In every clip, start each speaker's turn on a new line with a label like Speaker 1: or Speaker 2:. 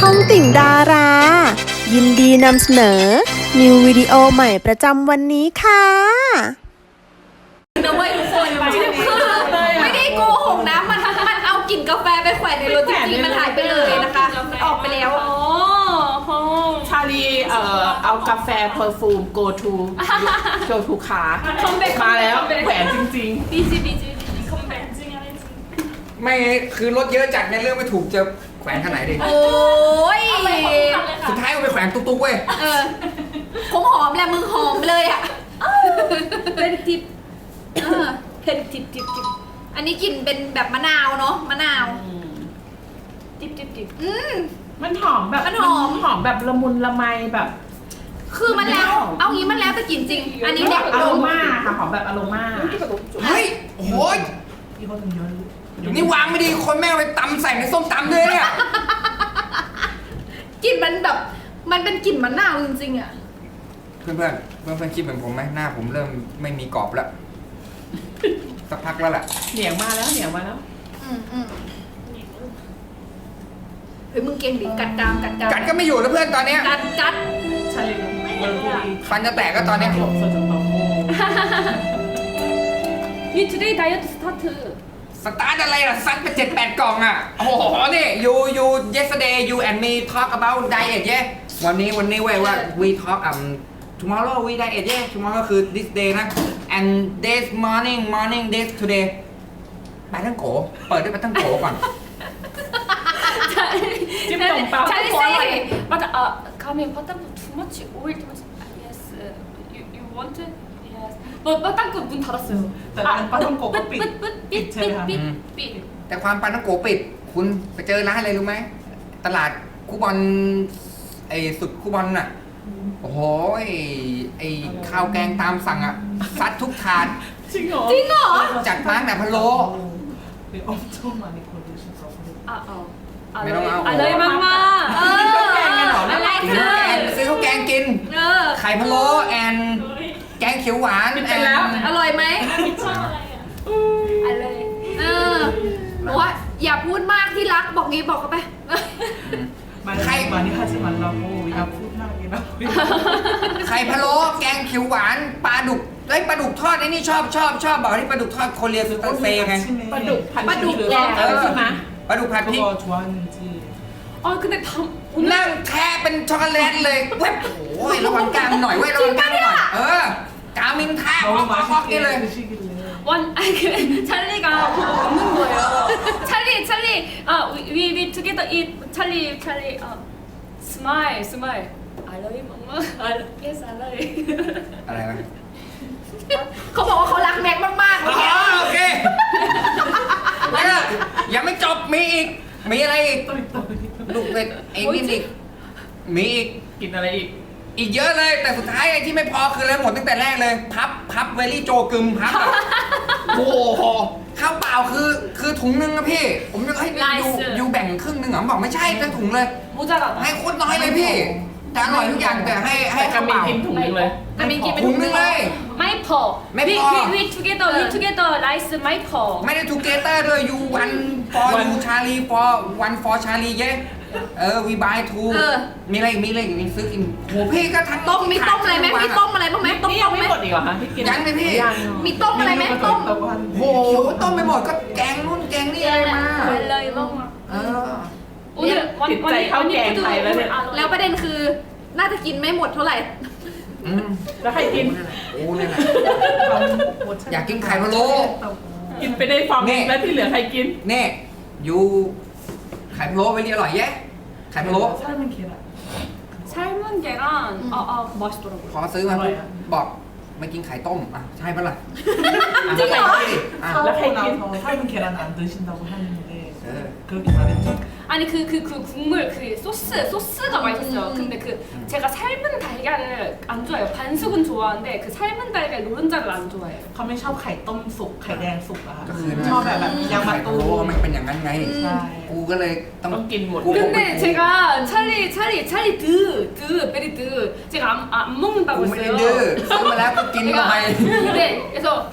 Speaker 1: องติ่งดารา ยินดีนำเสนอ นิววิดีโอใหม่ประจำวันนี้ค่ะ
Speaker 2: นะเว้ยทุกคนคือไม่ได้โกหกนะมันเอากลิ่นกาแฟไปแขวนในรถจริงๆมันหายไปเลยนะคะมันออกไปแล้ว
Speaker 3: ชาลีเอากาแฟเพอร์ฟูม go to ขามาแล้วแขวนจริงๆ
Speaker 2: บีจีคอมแบทจริงอะไรจริง
Speaker 4: ไม่คือรถเยอะจัดในเรื่องไม่ถูกจะแขวนขนาดไหนดิ
Speaker 2: โอ้ย
Speaker 4: สุดท้ายเอาไปแขวนตุ๊กๆเว้ย
Speaker 2: คงหอมแหละมึงหอมเลยอ่ะเป็นทิปเป็นทิปอันนี้กลิ่นเป็นแบบมะนาวเนาะมะนาวทิป
Speaker 3: มันหอมแบบ
Speaker 2: มันหอม
Speaker 3: แบบละมุนละไมแบบ
Speaker 2: คือมันแล้วเอางี้มันแล้วแต่กลิ่นจริงอันนี้แบบ
Speaker 3: อโรมาค่ะหอมแบบอโรมา
Speaker 4: เฮ้ยโอ้ยนี่วางไม่ดีคนแม่เอาไปตำใส่ในส้มตำเลยเนี่ย
Speaker 2: กลิ่นมันแบบมันเป็นกลิ่นมะนาวจริงๆอ่ะ
Speaker 4: เพื่อนคิดเหมือนผมไหมหน้าผมเริ่มไม่มีกรอบแล้วสักพักแล้วแหละ
Speaker 3: เหนียงมาแล้ว
Speaker 2: เฮ้ยมึงเก่งดิกัด
Speaker 4: กัดก็ไม่อยู่แล้วเพื่อนตอนเนี้ย
Speaker 2: กัด
Speaker 3: ชาลี
Speaker 4: ฟันจะแตกก็ตอนเนี้ย
Speaker 2: You today diet start
Speaker 4: สตาร์ทอะไรล่ะซัดไป7-8 กล่องอ่ะโอ้โหนี่ you yesterday you and me talk about diet yeah วันนี้เว้ยว่า we talk tomorrow we diet yeah tomorrow คือ this day นะ and this morning this today ไปทั้งโกเปิดด้วยไปทั้งโกก่อน
Speaker 3: จิ้มตรงเปล่า
Speaker 2: Charlie say but coming but too much oil too much yes you want it yes but 땅끝 문 닫았어요
Speaker 3: แต่ร้านปลาท่องโกะก็ปิดใช่ไหมคะ
Speaker 2: ปิด
Speaker 4: แต่ความปาทั้งโกปิดคุณไปเจอร้านอะไรรู้ไหมตลาดคูบอนไอ้สุดคูบอนน่ะโอ้โหไอ้ข้าวแกงตามสั่งอ่ะซัดทุกถาด
Speaker 3: จริงเหรอ
Speaker 4: จัดมาแต่พะโล้ไม่ต้องเอา
Speaker 2: อะไรมากอะไร
Speaker 4: ซื้อข้าวแกงกินไข่พะโล้แอนแกงเขียวหวาน
Speaker 3: เป็นแล้ว
Speaker 2: อร่อยไหมอะไรบอกว่าอย่าพูดมากที่รักบอกงี้บอกเขาไป
Speaker 3: ใครมานี่ค่ะจิมันเราอย่าพูดมากเลยนะ
Speaker 4: ไข่พะโล้แกงเขียวหวานปลาดุกไอ้ปลาดุกทอดไอ้นี่ชอบบอกที่ปลาดุกทอดโคเรียสุดเซไง
Speaker 3: ปลาดุกแกงใช่ไหม
Speaker 4: ปลาดุกผัดพริก
Speaker 2: 근데
Speaker 4: นั่งแค่เป็นช็อกโกแลตเลยเว้ยโอ้ยระวังกามหน่อยเว้ยระวังกามหน่อยกามินแทบออกนี่เลย
Speaker 2: 찰리가 웃는 거예요. 찰리, we together eat. 찰리, smile. I love you, mama. Yes, I love you.
Speaker 4: อะไรวะ
Speaker 2: เขาบอกว่าเขารักแม็กมากๆ
Speaker 4: โอเคยังไม่จบมีอีกมีอะไรอีกลูกเป็ดไอ้นี่อีกมีอีก
Speaker 3: กินอะไร
Speaker 4: อีกเยอะเลยแต่สุดท้ายไอ้ที่ไม่พอคืออะไรหมดตั้งแต่แรกเลยพับเวลี่โจกึมพับโอ้โหข้าวเปล่าคือถุงนึงนะพี่ผมจะให้ยูแบ่งครึ่งนึงเหรอบอกไม่ใช่ทั้งถุงเลยให้โคตรน้อยเลยพี่แต่อร่อยทุกอย่างแต่ให้ข้าวเปล่า
Speaker 3: กินถุงนึงเลย
Speaker 4: ถุงนึงเลย
Speaker 2: ไม่พอ we together rice ไม่พอ
Speaker 4: ไม่ได้ together ด้วย you one for you Charlie for one for Charlie เย้we buy two มีอะไรมีซื้อกินโหพี่ก็ทั้ง
Speaker 2: ต้มมีต้มอะไรไหมมีต้มอะไรบ้างไหมต้มไหม
Speaker 3: ไม่หมดอีกเหรอคะที่กิน
Speaker 4: ยังเลยพี่
Speaker 2: มีต้มอะไรไหมต้ม
Speaker 4: โหต้มไปหมดก็แกงนู่นแกงนี่อะไรมา
Speaker 2: เลยบ้าง
Speaker 3: ติดใจข้าวแกงไทยแล้วเนี่ย
Speaker 2: แล้วประเด็นคือน่าจะกินไม่หมดเท่าไหร่
Speaker 3: แล้วใครกิน
Speaker 4: โอ้เนี่ยอยากกินไข่พะโล้
Speaker 3: กินไปได้ฟองแล้วที่เหลือใครกิน
Speaker 4: เน่ยูไข่พะโล้ไปเรียอร่อยแยะไข่พะโล้
Speaker 2: 삶은 계란 맛있더라고요.
Speaker 4: พอซื้อมาบอกไม่กินไข่ต้มอ่ะใช่ปะล่ะ
Speaker 2: จริงเหรอ
Speaker 3: แล้วใครกิน
Speaker 5: 삶은 계란 안 드신다고 하는데 그렇게 말했죠.
Speaker 2: 아니 그 국물 그 소스가 맛있었어요. 근데 그 제가 삶은 달걀을 안 좋아해요. 반숙은 좋아하는데 그 삶은 달걀 노른자를 안 좋아해요.
Speaker 5: เขาไม่ชอบไข่ต้มสุกไข่แดงสุกอะชอบแบบยางมะตูม
Speaker 4: มันเป็นอย่างนั้นไงกูก็เลยต้อง
Speaker 3: กินหมด
Speaker 2: 근데 제가 찰리 베리 드 제가 안 먹는다고
Speaker 4: กูไม่ได้ดื้อ
Speaker 2: 했어요.
Speaker 4: ซื้อมาแล้วก็กินไป
Speaker 2: 네, 그래서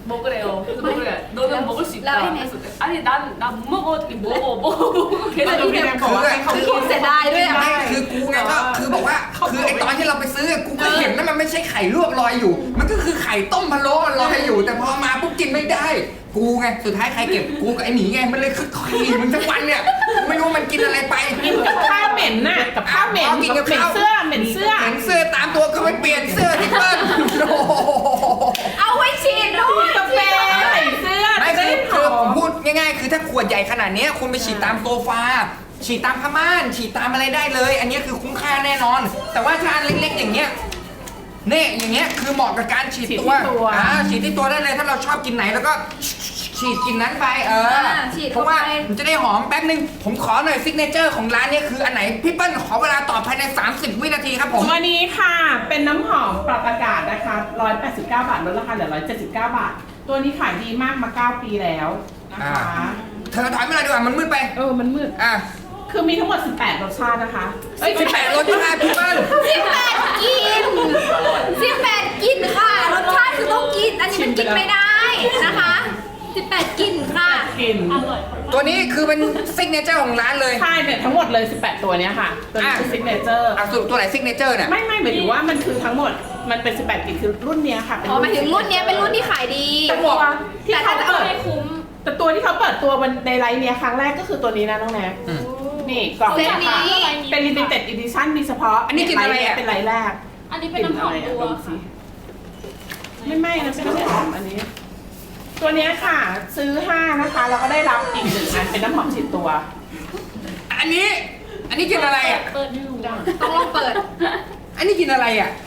Speaker 6: 먹으래요. 그래서 먹으래. 너는 먹을 수 있다.
Speaker 2: 라인에.
Speaker 6: 그래서 아니 난 못 먹어. 어떻게 먹어. 계속
Speaker 5: แล้วพี่
Speaker 6: 이렇게
Speaker 5: แดงบอกว่าให้เขากิน
Speaker 2: เสียดายด้วยอ่ะ
Speaker 4: ไม่คือกูไงก็คือบอกว่าคือไอตอนที่เราไปซื้อกูก็เห็นนะมันไม่ใช่ไข่ลวกลอยอยู่ มันก็คือไข่ต้มพะโล้ลอยอยู่ แต่พอมาปุ๊บกินไม่ได้ กูไงสุดท้ายใครเก็บกูกับไอหมีไงมันเลยคือขี่มันทั้งวันเนี่ยไม่รู้มันกินอะไรไป
Speaker 3: กินกับข้าวเหม็นน่ะกับข้าวเหม็น
Speaker 4: อ๋อกินกับข้าว
Speaker 3: เหม็นเสื้อ
Speaker 4: เห็นเสื้อตามตัวก็ไปเปลี่ยนเสื้อที่เปิ้ลโอ้โห
Speaker 2: เอาไว้ฉีดด้วย
Speaker 3: กาแฟใส่เสื้อ
Speaker 4: ไม่
Speaker 3: จะ
Speaker 4: คือ
Speaker 3: ได้ห
Speaker 4: คือ
Speaker 3: อ
Speaker 4: ผม
Speaker 3: ม
Speaker 4: พูดง่ายๆ คือถ้าขวดใหญ่ขนาดเนี้ยคุณไปฉีดตามโซฟาฉีดตามผ้าม่านฉีดตามอะไรได้เลย อันนี้คือคุ้มค่าแน่นอน แต่ว่าถ้าอันเล็กๆอย่างเงี้ยเนี่ยอย่างเงี้ยคือเหมาะกับการฉีดตัวฉีดที่ตัวได้เลยถ้าเราชอบกินไหนแล้วก็ฉีดกินนั้นไป
Speaker 2: ฉีด
Speaker 4: เพ
Speaker 2: เข้า
Speaker 4: ราะ
Speaker 2: ไป
Speaker 4: ว่ามันจะได้หอมแป๊บนึงผมขอหน่อยซิกเนเจอร์ของร้านเนี้คืออันไหนพี่เปิ้ลขอเวลาตอบภายใน30 วินาทีครับผม
Speaker 3: วันนี้ค่ะเป็นน้ำหอมปรับอากาศนะคะ189 บาทลดราคาเหลือ179 บาท ตัวนี้ขายดีมากมา 9 ปีแล้วนะคะ
Speaker 4: เธอถอยมาหน่อยดีกว่ามันมืดไป
Speaker 3: มันมืด
Speaker 4: อ่ะ
Speaker 3: คือมีทั้งหมด 18 รสชาตินะคะ
Speaker 4: 18รสชาติพี่เปิ้ล
Speaker 2: 18กิน18กินค่ะรสชาติคือต้องกิน อันนี้มันกินไม่ได้นะคะ18กินค่ะ
Speaker 3: กิน
Speaker 4: ตัวนี้คือเป็นซิกเนเจอร์ของร้านเลย
Speaker 3: ใช่เนี่ยทั้งหมดเลย 18 ตัวเนี้ยค่ะ ตัวนี้คือซิกเนเจอร์
Speaker 4: อ่ะสรุปตัวไหนซิกเนเจอร์เนี่ย
Speaker 3: ไม่หมายถึงว่ามันคือทั้งหมดมันเป็น 18 กลิ่นคือรุ่นเนี้ยค่ะ
Speaker 2: อ๋อหมายถึงรุ่นเนี้ยเป็นรุ่นที่ขายดี
Speaker 3: แต่ตัวที่
Speaker 2: แต่
Speaker 3: เขา
Speaker 2: ถ้าจะ
Speaker 3: เปิด
Speaker 2: ให้คุ้ม
Speaker 3: แต่ตัวที่เขาเปิดตัวในไลน์เนี้ยครั้งแรกก็คือตัวนี้นะน้องแนกนี่กล่อง
Speaker 2: เซตนี้
Speaker 3: ค่ะเป็น limited edition มีเฉพาะ
Speaker 4: อันนี้กินอะไรอ่ะ
Speaker 3: เป็นไลน์แรก
Speaker 6: อันนี้เป็นน้ำหอมตัว
Speaker 3: ดูสิไม่นะเป็นน้ำหอมอันนี้ ตัวเนี้ยค่ะ ซื้อ 5 นะคะแล้วก็ได้รับอีก1อันเป็นน้ำหอมฉีดตัว
Speaker 4: อันนี้กินอะไรอ่ะ
Speaker 6: เปิดให้ดู
Speaker 2: ต้องลองเปิด
Speaker 4: อันนี้กินอะไรอ่ะ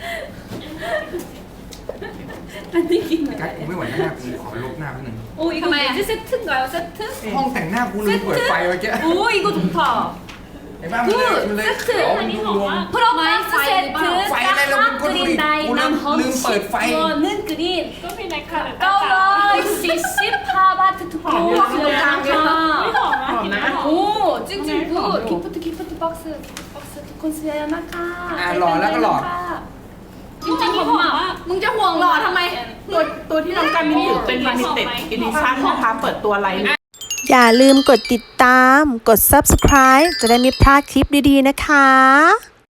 Speaker 6: อันนี้กินอะไร
Speaker 4: กัดกูไม่ไหวหน้ากูขอลบหน้าแป๊บนึง
Speaker 6: 오 이거
Speaker 2: 잠깐만요.
Speaker 6: 뭐지 세트인가요 세트?
Speaker 4: ห้องแต่งหน้ากูลืมเปิดไฟเมื่อกี้
Speaker 6: 오 이거 좋다
Speaker 4: ไอ้บ้ามันเลย
Speaker 6: 세트
Speaker 4: เอาดูรวม
Speaker 6: 프로마이스 세트
Speaker 4: ไฟอะไรเรา
Speaker 6: 딱
Speaker 4: ก็ดู
Speaker 6: 그린
Speaker 4: ดิ
Speaker 6: 다이
Speaker 4: กูลืม
Speaker 6: 남험
Speaker 4: เปิดไฟ
Speaker 6: 시원은 그린 까울러이시 시파바트 투포
Speaker 3: หอมอยู่ หอมนะ
Speaker 6: 오 찡찡 굿 기프트 박스 두콘스야 나카
Speaker 4: หล่อแล้วก็หล่อ
Speaker 6: 찡찡 엄마
Speaker 2: มึงจะห่วงหล่อทำไม
Speaker 3: ตัวที่น้องการมินถือเป็น limited edition นะคะเปิดตัวไลน์
Speaker 1: อย่าลืมกดติดตาม กด subscribe จะได้ไม่พลาดคลิปดีๆนะคะ